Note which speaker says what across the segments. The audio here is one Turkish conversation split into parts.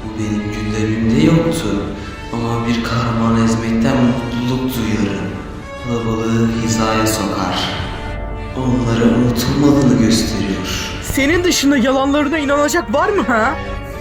Speaker 1: Bu benim gündemimde yoktu. Ama bir kahramanı ezmekten mutluluk duyarım. Kalabalığı hizaya sokar. Onlara unutulmadığını gösteriyor.
Speaker 2: Senin dışında yalanlarına inanacak var mı ha?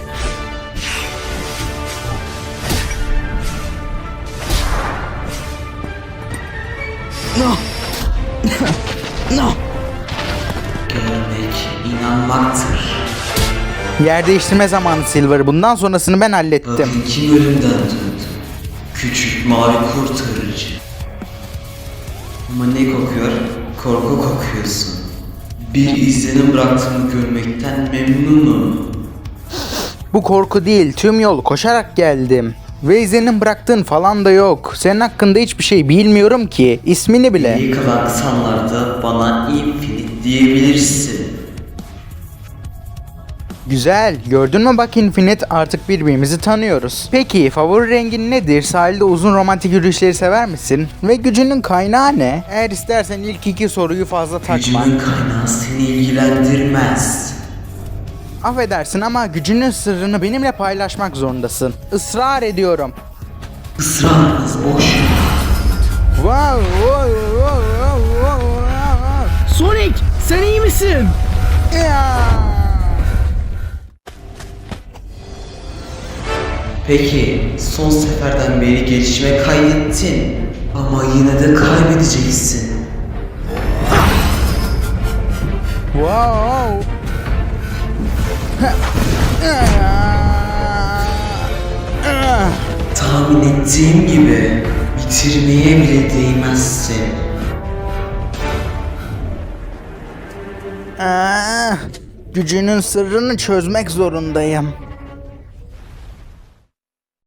Speaker 2: No. No.
Speaker 1: Görmek inanmaktır.
Speaker 3: Yer değiştirme zamanı Silver. Bundan sonrasını ben hallettim.
Speaker 1: Bakın kim ölümden döndü. Küçük mavi kurtarıcı. Ama ne kokuyor? Korku kokuyorsun. Bir izlenim bıraktığını görmekten memnunum.
Speaker 3: Bu korku değil. Tüm yol koşarak geldim. Ve izlenim bıraktığın falan da yok. Senin hakkında hiçbir şey bilmiyorum ki. İsmini bile.
Speaker 1: İyi kalan insanlarda bana Infinite diyebilirsin.
Speaker 3: Güzel. Gördün mü bak Infinite, artık birbirimizi tanıyoruz. Peki favori rengin nedir? Sahilde uzun romantik yürüyüşleri sever misin? Ve gücünün kaynağı ne? Eğer istersen ilk iki soruyu fazla takma.
Speaker 1: Gücümün kaynağı seni ilgilendirmez.
Speaker 3: Affedersin ama gücünün sırrını benimle paylaşmak zorundasın. Israr ediyorum.
Speaker 1: Israrınız boş.
Speaker 3: Wow, wow, wow, wow, wow, wow.
Speaker 2: Sonic, sen iyi misin?
Speaker 3: Ya.
Speaker 1: Peki son seferden beri gelişme kaydettin. Ama yine de kaybedeceksin.
Speaker 3: Wow.
Speaker 1: Tahmin ettiğim gibi bitirmeye bile değmezsin.
Speaker 3: Gücünün sırrını çözmek zorundayım.